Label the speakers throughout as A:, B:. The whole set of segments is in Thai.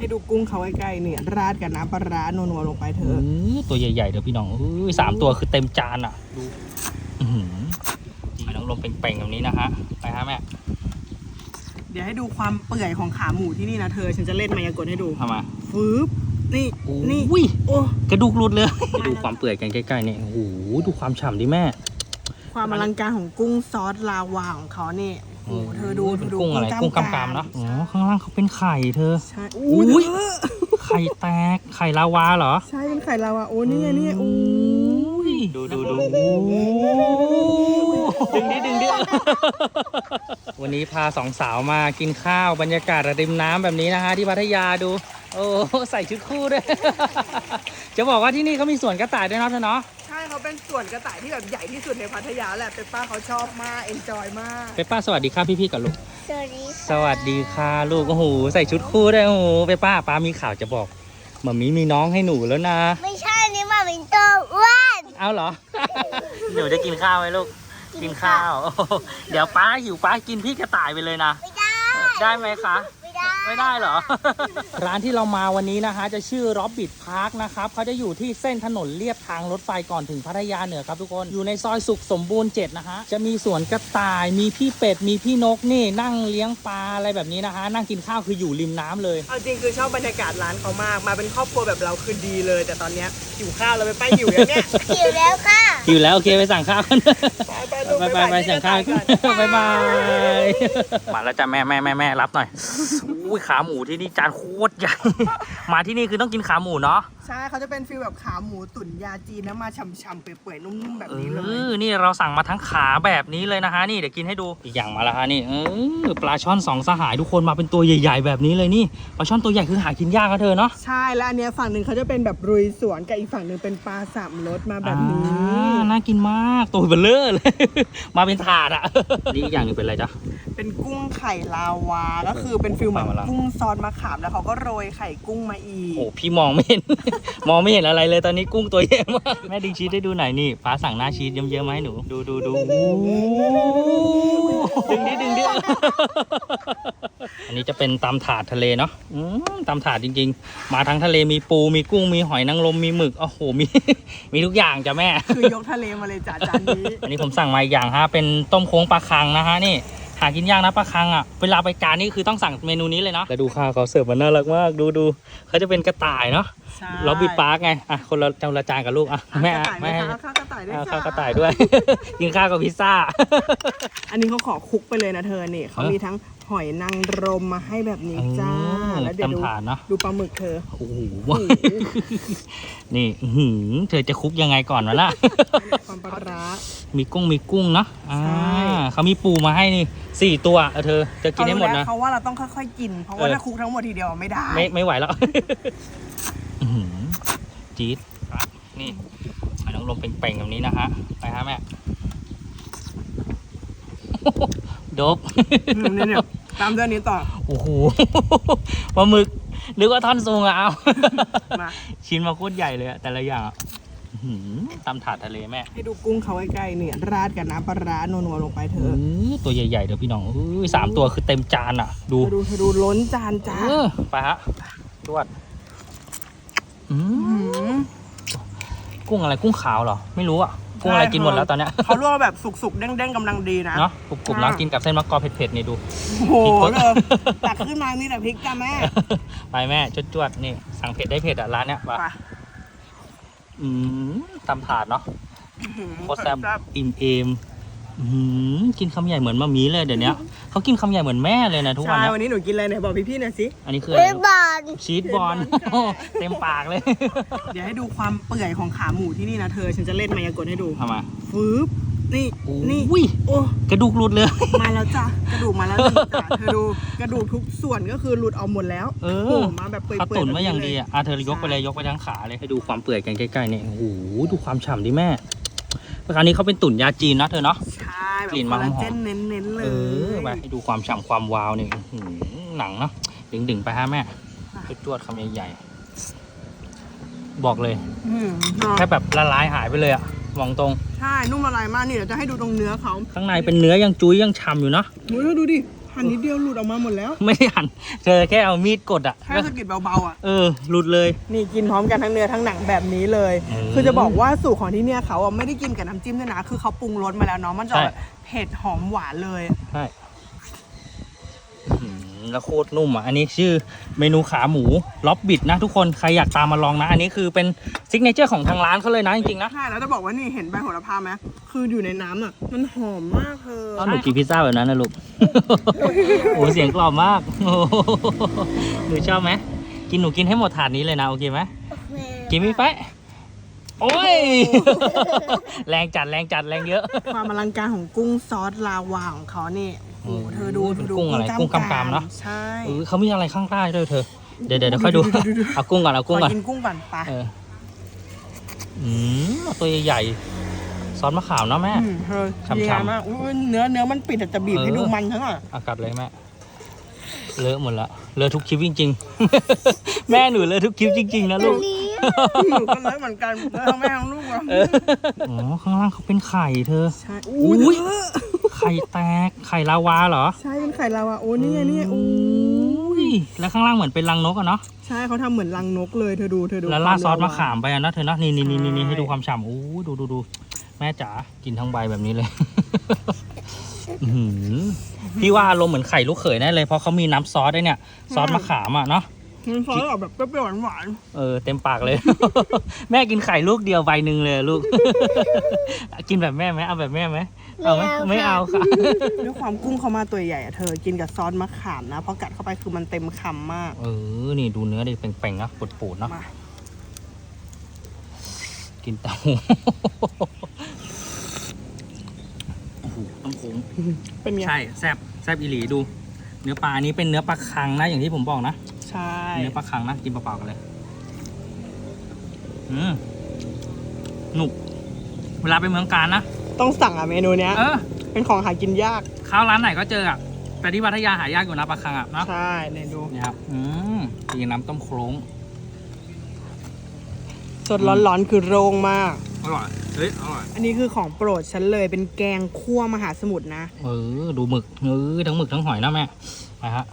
A: ให้ดูกุ้งเขาใกล้ๆเนี่ยราดกับน้ำปลาร้านัวๆลงไปเถอะ
B: ตัวใหญ่ๆเดี๋ยวพี่น้อง3 ตัวคือเต็มจานอ่ะดูจีน้องลมเป่งๆแบบนี้นะฮะไปฮะแม่
A: เดี๋ยวให้ดูความเปื่อยของขาหมูที่นี่นะเธอฉันจะเล่นมายากลให้ดู
B: ทำไม
A: ฟืบนี่
B: โอ้กระดูกหลุดเลยดูความเปื่อยกันใกล้ๆนี่โอ้โหดูความฉ่ำดิแม่
A: ความอลังการของกุ้งซอสลาวาของเขาเนี่ยโอ้เธอดู
B: กุ้งอะไรกุ้งกำกำเนาะอ๋อข้างล่างเขาเป็นไข่เธอ
A: ใช่อุ้ย
B: ไข่แตกไข่ลาวาเหรอ
A: ใช่เป็นไข่ลาวาโอ้นี่โอ้
B: ยดูดึงดิวันนี้พา2 สาวมากินข้าวบรรยากาศริมน้ำแบบนี้นะฮะที่พัทยาดูโอ้ใส่ชุดคู่ด้วยจะบอกว่าที่นี่เขามีสวนกระต่ายด้วยเนาะเธอเนาะ
A: ใช่เขาเป็นสวนกระต่ายที่แบบใหญ่ที่สุดในพัทยาแหละเปป้าเขาชอบมากเอนจอยมาก
B: เปป้าสวัสดีค่ะพี่ๆกับลูก
C: สวัสดี
B: ค่ะลูกโอ้โหใส่ชุดคู่ด้วยโอ้โหเปป้าป้ามีข่าวจะบอกหม่ามีมีน้องให้หนูแล้วนะ
C: ไม่ใช่นี่มาเป็นตัวอ้วน
B: เอาเหรอหนูจะกินข้าวไหมลูกกินข้าวเดี๋ยวป้าหิวป้ากินพี่กระต่ายไปเลยนะ
C: ไม่ได้
B: ได้ไหมคะ
C: ไม่
B: ได้เหรอ ร้านที่เรามาวันนี้นะคะจะชื่อร็อบบิทพาร์คนะครับเขาจะอยู่ที่เส้นถนนเลียบทางรถไฟก่อนถึงพัทยาเหนือครับทุกคนอยู่ในซอยสุขสมบูรณ์7นะฮะจะมีสวนกระต่ายมีพี่เป็ดมีพี่นกนี่นั่งเลี้ยงปลาอะไรแบบนี้นะคะนั่งกินข้าวคืออยู่ริมน้ำเลย
A: เอาจริงคือชอบบรรยากาศร้านเขามากมาเป็นครอบครัวแบบเราคือดีเลยแต่ตอนนี้หิวข้าวเราไปหิวอย่างเนี้ย
C: หิวแล้วค่ะ
B: หิวแล้วโอเคไปสั่งข้าวกันไปสั่งข้าวบ๊ายบายมาแล้วจ้ะแม่รับหน่อยอุ้ยขาหมูที่นี่จานโคตรใหญ่มาที่นี่คือต้องกินขาหมูเนาะ
A: ใช่เขาจะเป็นฟีลแบบขาหมูตุ๋นยาจีนนะมาฉ่ำๆเปื่อยๆนุ่มๆแบบนี้เลย
B: นี่เราสั่งมาทั้งขาแบบนี้เลยนะคะนี่เดี๋ยวกินให้ดูอีกอย่างมาแล้วฮะนี่ปลาช่อน2 สหายทุกคนมาเป็นตัวใหญ่ๆแบบนี้เลยนี่ปลาช่อนตัวใหญ่คือหากินยากนะเธอเนาะ
A: ใช่แล้วอันเนี้ยฝั่งหนึ่งเขาจะเป็นแบบรุยสวนกับอีกฝั่งหนึ่งเป็นปลา3 รสมาแบบนี้
B: น่ากินมากตัวเบลเลอร์เลยมาเป็นถาดอ่ะนี่อีกอย่างหนึ่งเป็นอะไรจ๊ะ
A: เป็นกุ้งไข่ลาวาก็คือเป็นฟิลเหมือนกุ้งซอสมะขามแล้วเขาก็โรยไข่กุ้งมาอีก
B: โอ้พี่มองไม่เห็น มองไม่เห็นอะไรเลยตอนนี้กุ้งตัวใหญ่มากแม่ดึงชีสได้ดูหน่อยนี่ฟ้าสั่งหน้าชีสเยอะๆมาให้หนูดูดึงดิอันนี้จะเป็นตำถาดทะเลเนาะตำถาดจริงๆมาทั้งทะเลมีปูมีกุ้งมีหอยนางรมมีหมึกโอ้โหมีทุกอย่างจ้ะแม่
A: คือยกทะเลมาเลยจ้ะจานนี้
B: อันนี้ผมสั่งมาอีกอย่างฮะเป็นต้มโค้งปลาคังนะฮะนี่หากินยากนะปลาคังอ่ะเวลาไปการนี่คือต้องสั่งเมนูนี้เลยเนาะแล้วดูข้าวเขาเสิร์ฟมันน่ารักมากดูเขาจะเป็นกระต่ายเนาะเราบิดปาร์กไงอ่ะคนละจานกับลูกอ่ะแม่
A: ข้าวกระต่ายด้วย
B: ข้าวกระต่ายด้วยกินข้าวกับพิซซ่า
A: อันนี้เขาขอคุกไปเลยนะเธอเนี่ยเขามีทั้งหอยนางรมมาให้แบบนี้จ้าแล้วเดี๋ยวดูปลาหมึกเธอ
B: โอ้โหนี่เธอจะคุกยังไงก่อนวะล่ะ
A: ความปลาร้า
B: มีกุ้งเนาะเขามีปูมาให้นี่4 ตัวเธอจะกินให้หมดนะ
A: เขาว่าเราต้องค่อยๆกินเพราะว่าถ้าคุกทั้งหมดทีเดียวไม่ได้
B: ไม่ไหวแล้วจี๊ดนี่น้องลมเป่งๆแบบนี้นะฮะไปฮะแม่ดบ
A: เนี่ยตามเรื่องนี้ต่อ
B: โอ้โหปลาหมึกหรือว่าท่อนซุงอะเอาชิ้นมาโคตรใหญ่เลยแต่ละอย่างตำถาดทะเลแม่
A: ให้ดูกุ้งเขาใกล้ๆเนี่ยราดกับน้ำปลาร้านัวๆลงไปเถอะ
B: ตัวใหญ่ๆเดี๋ยวพี่น้อง3 ตัวคือเต็มจานอ่ะดู
A: ล้นจานจ้า
B: ไปฮะตรวจกุ้งอะไรกุ้งขาวเหรอไม่รู้อ่ะกุ้งอะไรกินหมดแล้วตอนเนี้ย
A: เขาลวกแบบสุกๆเด้งๆกำลังดีนะ
B: เนาะกรุบๆนะกินกับเส้นมะกอกเผ็ดๆนี่ดู
A: โอ้โหเลยตักขึ้นมานี่แต่พริกจ้าแม่
B: ไปแม่จวดๆนี่สั่งเผ็ดได้เผ็ดอ่ะร้านเนี้ยไปตำถาดเนาะโคตรแซ่บอิ่มกินคำใหญ่เหมือนมะมีเลยเดี๋ยวนี้เขากินคำใหญ่เหมือนแม่เลยนะทุกวัน
A: ใช่วันนี้หนูกินอะไรเนี่ยบอกพี่ๆหน่อยสิ
B: อันนี้คืออะไรชีสบอลเต็มปากเลย
A: เดี๋ยวให้ดูความเปื่อยของขาหมูที่นี่นะเธอฉันจะเล่นมายากลให้ดู
B: ทำไม
A: ฟืบนี่
B: โอ้กระดูกหลุดเลย
A: มาแล้วจ้ะกระดูกมาแล้วจ้ะเธอดูกระดูกทุกส่วนก็คือหลุดออกหมดแล้วมาแบบเปื่อยๆ
B: เขาตุ๋นมาอย่างดีอ่ะเธอยกไปเลยยกไปทั้งขาเลยให้ดูความเปื่อยกันใกล้ๆเนี่ยโอ้โหดูความฉ่ำดิแม่คราวนี้เขาเป็นตุ๋นยาจีนนะเธอเนาะ
A: ใช่กลิ่นมันหอมเน้นๆเลย
B: ไปให้ดูความฉ่ำความวาวเนี่ยหนังเนาะดึงไปฮะแม่จวดคำใหญ่ๆบอกเลยแค่แบบละลายหายไปเลยอะมองตรง
A: ใช่นุ่มละลายมากนี่เดี๋ยวจะให้ดูตรงเนื้อเขา
B: ข้างในเป็นเนื้อยังจุ้ยยังฉ่ำอยู่เนาะ
A: ดูดิหั่นนิดเดียวหลุดออกมาหมดแล้ว
B: ไม่ได้หั่นเธอแค่เอามีดกดอ่ะ
A: แค่สะกิดเบาๆอ่ะ
B: หลุดเลย
A: นี่กินพร้อมกันทั้งเนื้อทั้งหนังแบบนี้เลย คือจะบอกว่าสูตรของที่เนี่ยเขาไม่ได้กินกับน้ำจิ้มด้วยนะ คือเขาปรุงรสมาแล้วเนาะ มันจะแบบเผ็ดหอมหวานเลย
B: ใช่แล้วโคตรนุ่มอ่ะ อันนี้ชื่อเมนูขาหมูล็อบบิดนะทุกคน ใครอยากตามมาลองนะ อันนี้คือเป็นซิกเนเจอร์ของทางร้านเขาเลยนะจริงๆนะ
A: ใช่ แล้วจะบอกว่านี่เห็นใบโหระพาไหมคืออยู่ในน้ำอ่ะ มันหอมมากเธอ
B: เอาหนูกินพิซซ่าแบบนั้นนะลูก โอ้เสียงกรอบมากโอ้หนูชอบไหมหนูกินให้หมดถาดนี้เลยนะโอเคไหมกินไม่ไปโอ้ย แรงจัดแรงเยอะ
A: ความอลังการของกุ้งซอสลาวาของเขานี่โอ้โหเธอดู
B: เป็นกุ้งอะไรกุ้งกำๆเนอะ
A: ใช่
B: เขามีอะไรข้างใต้ด้วยเธอ เดี๋ยวค่อยดู เอากุ้งก่อน
A: ขอกินกุ้งก่อนไป
B: ตัวใหญ่ๆซอสมะขามเนาะแม่
A: เธอ
B: ฉ่ำๆ
A: ดีงามมากอุ๊ยเนื้อมันปิดแต่จะบีบให้ดูมันทั้งอ่ะ
B: อากาศเลยแม่เลอะหมดละเลอะทุกคลิปจริงๆ แม่หนูเลอะทุกคลิปจริงๆนะลูก
A: หนูก็เลยเหมือนกันแล้วทั้งแม่ทั้งลูกอ่ะ
B: อ๋อข้างล่างเขาเป็นไข่เธอ
A: ใช่
B: อุ้ยไข่แตกไข่ลาวาเหรอ
A: ใช่เป็นไข่ลาวาโอ้นี่ไงนี่โอ้ย
B: แล้วข้างล่างเหมือนเป็นรังนกอะเนาะ
A: ใช่เขาทำเหมือนรังนกเลยเธอดู
B: แล้วราดซอสมะขามไปอะนะเธอเนาะนี่ให้ดูความฉ่ำอู้ดูแม่จ๋ากินทั้งใบแบบนี้เลย พี่ว่าอารมณ์เหมือนไข่ลูกเขยแน่เลยเพราะเขามีน้ำซอสด้วยเนี่ยซอสมะขามอะเนาะ
A: มันซอสออกแบบเปรี้ยวๆหวาน
B: เต็มปากเลย แม่กินไข่ลูกเดียวใบหนึ่งเลยลูก กินแบบแม่ไหมเอาแบบแม่ไหมเอาไหมไม่เอาค่ะ
A: ๆด้วยความกุ้งเขามาตัวใหญ่อะเธอกินกับซอสมะขามนะพอกัดเข้าไปคือมันเต็มคำมาก
B: นี่ดูเนื้อดิเป่งๆนะปูดๆเนาะ
A: มา
B: กินเต้าโอ้โหต้องโค้ง
A: เป็นไง
B: ใช่แซบอีหลีดู เนื้อปลาอันนี้เป็นเนื้อปลาคังนะอย่างที่ผมบอกนะ
A: ใช่
B: เนื้อปลาคังนะกินเปล่าๆกันเลยหนุกเวลาไปเมืองการนะ
A: ต้องสั่งอะเมนูเนี้ย เป็นของหากินยาก
B: ข้าวร้านไหนก็เจออะแต่ที่พัทยาหายากอยู่นะปลาคังอะนะ
A: ใช่เนี่ยดู
B: เนี่ยครับกินน้ำต้มโคลง
A: สดร้อนๆคือโรงมาก
B: อร่อยเฮ้ยอร่อย
A: อันนี้คือของโปรดฉันเลยเป็นแกงคั่วมหาสมุทรนะ
B: ดูหมึกทั้งหมึกทั้งหอยนะแม่ไปฮะ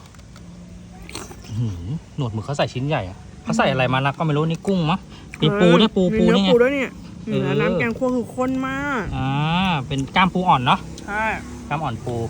B: หนวดหมึกเขาใส่ชิ้นใหญ่อะเขาใส่อะไรมานะก็ไม่รู้นี่กุ้งมั้งมีปูด้วยปู
A: มีเนื้อ
B: นี่ไง
A: ปูด้วยเนี่ยแล้วน้ำแกงคั่วคือข้นมาก
B: เป็นกล้ามปูอ่อนเนาะ
A: ใช่
B: กล้ามอ่อนปู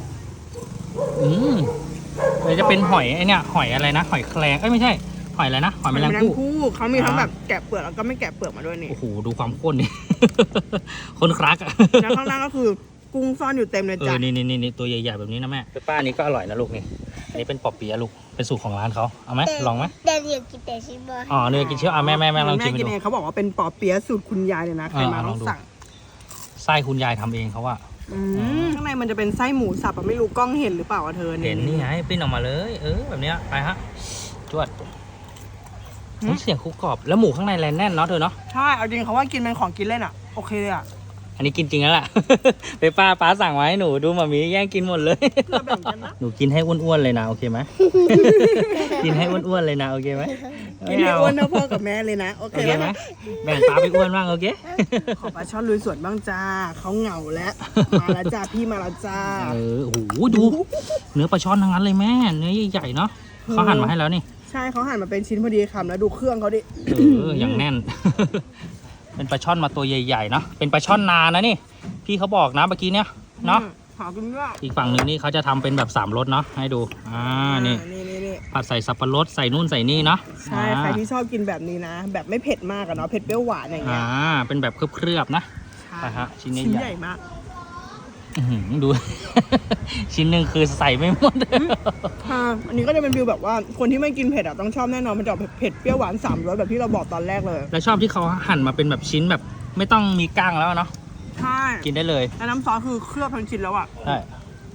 B: เลยจะเป็นหอยไอเนี่ยหอยอะไรนะหอยแครงไม่ใช่หอยอะไรนะหอยแมลงภู่
A: เขามีทั้งแบบแกะเปลือกแล้วก็ไม่แกะเปลือกมาด้วยนี่
B: โอ้โหดูความข้นนี่ ข้นครักอะ
A: แล้วข้างล่างก็คือกุ้งซ่อนอยู่เต็มเลยจ้ะ
B: นี่ตัวใหญ่ๆแบบนี้นะแม่ป้านี้ก็อร่อยนะลูกนี่อันนี้เป็นปอเปี๊ยะลูกเป็นสูตรของร้านเขาเอาไหมลองไหม
C: แต่เดี๋ยวกินแต่ชิบะ
B: เนื้อกินเชี่ยวแม่ลองชิม
A: แม่
B: ให้
A: กิน
B: ดู
A: เองเขาบอกว่าเป็นปอเปี๊ยะสูตรคุณยายเลยนะใครมา
B: ล
A: ต้
B: อ
A: อง ง
B: ดู
A: สั่ง
B: ไส้คุณยายทำเองเขาว่า
A: ข้างในมันจะเป็นไส้หมูสับอะไม่รู้กล้องเห็นหรือเปล่าอะเธอ
B: เห็นนี่ไงปิ้นออกมาเลยแบบเนี้ยไปฮะจวดเสียงคุกกรอบแล้วหมูข้างในแน่นเนาะเธอเนาะ
A: ใช่เอาจริงเขาว่ากินเป็นของกินเล่นอะโอเคเลยอะ
B: อันนี้กินจริงแล้วล่ะ ไปป้าสั่งไว้หนูดูมามีแย่งกินหมดเลย
A: เราแบ่งกันนะ
B: หนูกินให้อ้วนๆเลยนะโอเคไหม กินให้อ้วนๆเลยนะโอเคไหม
A: กินให้อ้วนเท่าพ่อกับแม่เลยนะโอ
B: โอ
A: เค
B: เค
A: แล้ว
B: ไหม
A: นะ
B: แบ่งป้าไปอ้วนบ้างโอเค
A: ขอปลาช่อนลุยสวนบ้างจ้าเขาเหงาแล้วมาแล้วจ้าพี่มาแล้วจ้า
B: โอ้โหดู เนื้อปลาช่อนทั้งนั้นเลยแม่เนื้อใหญ่ๆเนาะเขาหั่นมาให้แล้วนี่
A: ใช่เขาหั่นมาเป็นชิ้นพอดีคำแล้วดูเครื่องเขาดิ
B: อย่างแน่น เป็นปลาช่อนมาตัวใหญ่ๆเนาะเป็นปลาช่อนนานะนี่พี่เขาบอกนะเมื่อกี้เนี่ยเนาะ
A: หากินยาก
B: อีกฝั่งหนึ่งนี่เขาจะทำเป็นแบบ3รสเนาะให้ดูนี่
A: นี่
B: ผัดใส่สับปะรดใส่นู่นใส่นี่เนาะ
A: ใช่ใครที่ชอบกินแบบนี้นะ แบบไม่เผ็ดมากอะเนาะเผ็ดเปรี้ยวหวานอย่างเงี้ย
B: เป็นแบบเคลือบๆนะ
A: ใช่
B: ไปฮะชิ้น
A: ชิ้น
B: ใหญ่
A: ใหญ่มาก
B: ดู ชิ้นหนึ่งคือใส่ไม่หมด
A: อันนี้ก็จะเป็นฟิลแบบว่าคนที่ไม่กินเผ็ดอะต้องชอบแน่นอนมันจะออกเผ็ดเปรี้ยวหวาน3รสแบบที่เราบอกตอนแรกเลย
B: แล้วชอบที่เขาหั่นมาเป็นแบบชิ้นแบบไม่ต้องมีก้างแล้วเนาะ
A: ใช่
B: กินได้เลย
A: แล้วน้ำซอสคือเคลือบทั้งชิ้นแล้วอะ
B: ใช่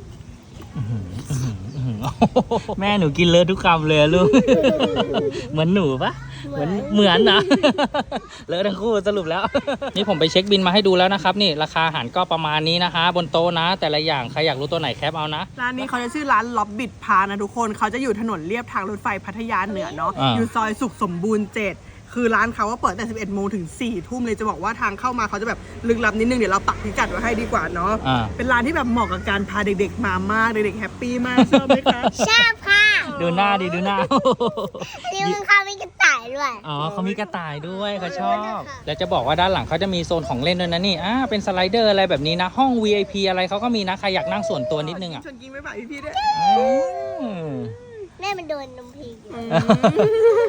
B: แม่หนูกินเลอะทุกคำเลยลูก เหมือนหนูปะเหมือนนะ เลอะทั้งคู่สรุปแล้ว นี่ผมไปเช็คบินมาให้ดูแล้วนะครับนี่ราคาอาหารก็ประมาณนี้นะคะบนโต๊ะนะ แต่ละอย่างใครอยากรู้ตัวไหนแคปเอานะ
A: ร้านนี้เขาจะชื่อร้านล็อบบิดพานะทุกคนเขาจะอยู่ถนนเลียบทางรถไฟพัทยาเหนือเนาะอยู่ซอยสุขสมบูรณ์7 คือร้านเขาว่าเปิดแต่ 11 โมงถึง 4 ทุ่มเลยจะบอกว่าทางเข้ามาเขาจะแบบลึกลับนิดนึงเดี๋ยวเราปักพิกัดไว้ให้ดีกว่าเนาะเป็นร้านที่แบบเหมาะกับการพาเด็กๆมามากเด็กๆแฮปปี้มากชอบไหมคะ
C: ชอบค่ะ
B: ดูหน้าดิดูหน้า
C: นี่มันเขามีกระต่ายด้วย
B: อ๋อเขามีกระต่ายด้วยเขาชอบแล้วจะบอกว่าด้านหลังเขาจะมีโซนของเล่นด้วยนะนี่เป็นสไลเดอร์อะไรแบบนี้นะห้อง VIP อะไรเขาก็มีนะใครอยากนั่งส่วนตัวนิดนึงอ่ะ
A: ชวนกินไม่ฝากพี่ๆด้วย
B: อืม
C: แม่มันโดนนมพีอยู่